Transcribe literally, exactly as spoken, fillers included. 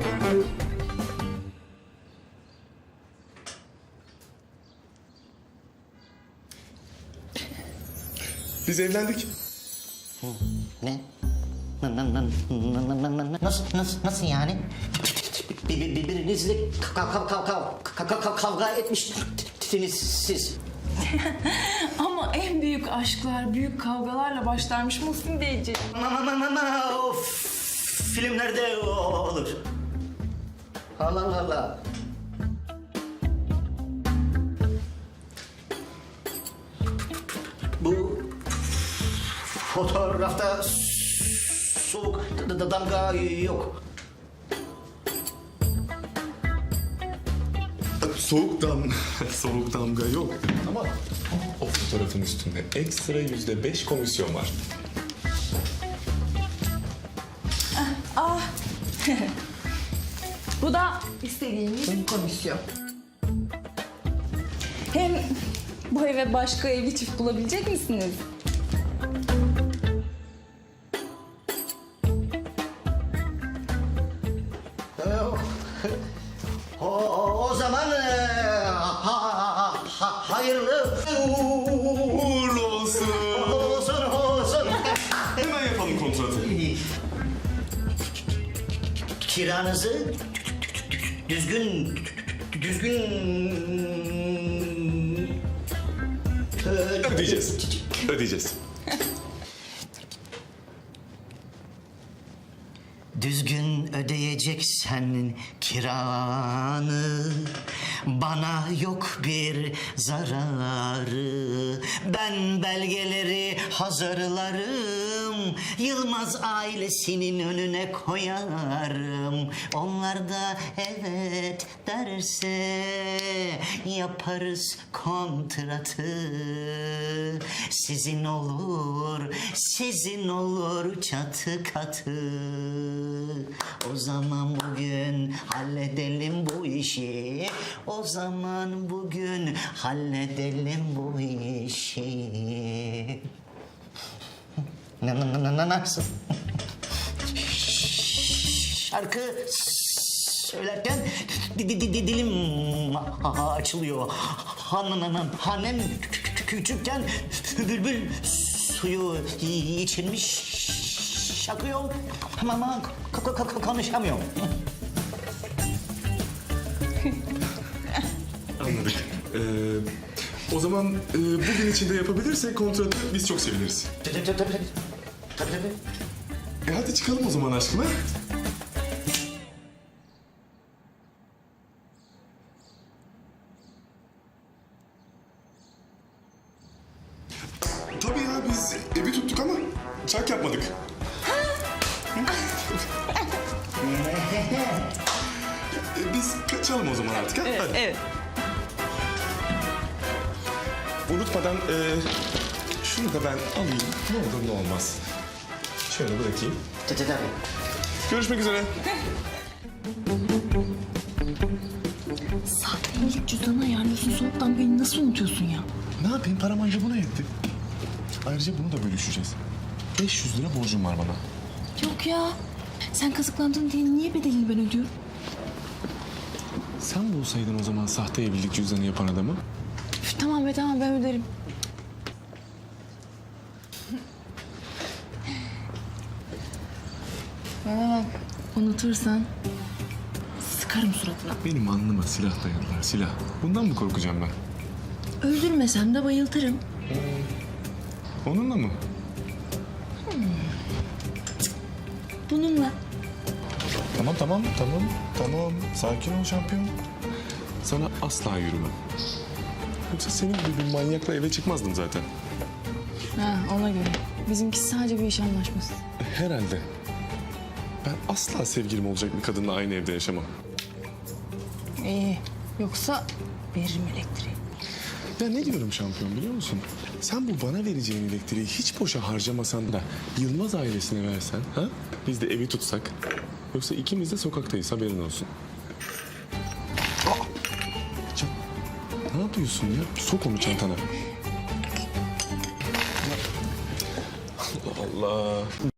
Biz evlendik. Ne? Nasıl, nasıl, nasıl yani? Bir- Birbirinizle kav- kav- kav- kav- kav- kav- kavga etmişsiniz siz. Ama en büyük aşklar büyük kavgalarla başlarmış Muhsin Beyciğim. Ma- ma- ma- ma- o filmlerde olur. Allah Allah Allah. Bu fotoğrafta soğuk d- d- damga yok. Soğuk dam soğuk damga yok. Ama o fotoğrafın üstünde ekstra yüzde beş komisyon var. Bu da istediğimiz komisyon. Hem bu eve başka evli çift bulabilecek misiniz? O, o, o zaman e, ha, ha, hayırlı Uğurlu olsun. olsun olsun. Hemen yapalım kontratı. Kiranızı düzgün düzgün Ödeyeceğiz. Ödeyeceğiz. Düzgün ödeyeceksen kiranı, bana yok bir zararı. Ben belgeleri hazırlarım, Yılmaz ailesinin önüne koyarım. Onlar da evet derse yaparız kontratı. Sizin olur, sizin olur çatı katı. O zaman bugün halledelim bu işi. O zaman bugün halledelim bu işi. Na na na na nasıl? Şarkı söylerken di- di- di- dilim açılıyor. Hanım hanem küçükken bülbül suyu içilmiş şakıyor ama k- k- k- konuşamıyorum. Anladık. Ee, o zaman e, bugün içinde yapabilirsek kontratı biz çok seviniriz. Tabii tabii tabii. Tabii tabii. E hadi çıkalım o zaman aşkına. Tabii ya biz evi tuttuk ama çak yapmadık. E, biz kaçalım o zaman artık ha? Hadi. Evet. Unutmadan e, şunu da ben alayım. Ne olur ne olmaz. Şöyle bırakayım. Tabii tabii. Görüşmek üzere. Sahte evlilik cüzdanı ayarlıyorsun, soğuktan beni nasıl unutuyorsun ya? Ne yapayım? Param anca buna yetti. Ayrıca bunu da bölüşeceğiz. beş yüz lira borcum var bana. Yok ya. Sen kazıklandın diye niye bedelini ben ödüyorum? Sen bulsaydın o zaman sahte evlilik cüzdanı yapan adamı. Üf, tamam be tamam ben öderim. Bana bak, unutursan sıkarım suratına. Benim alnıma silah dayadılar, silah. Bundan mı korkacağım ben? Öldürmesem de bayıltırım. Onunla mı? Bununla. Tamam, tamam, tamam, tamam. Sakin ol şampiyon. Sana asla yürümem. Yoksa senin gibi bir manyakla eve çıkmazdım zaten. Ha ona göre. Bizimki sadece bir iş anlaşması. Herhalde. Ben asla sevgilim olacak bir kadınla aynı evde yaşamam. İyi. Yoksa veririm elektriği. Ya ne diyorum şampiyon biliyor musun? Sen bu bana vereceğin elektriği hiç boşa harcamasan da Yılmaz ailesine versen, ha? Biz de evi tutsak. Yoksa ikimiz de sokaktayız, haberin olsun. Aa! Can, ne yapıyorsun ya? Sok onu çantana. Allah Allah.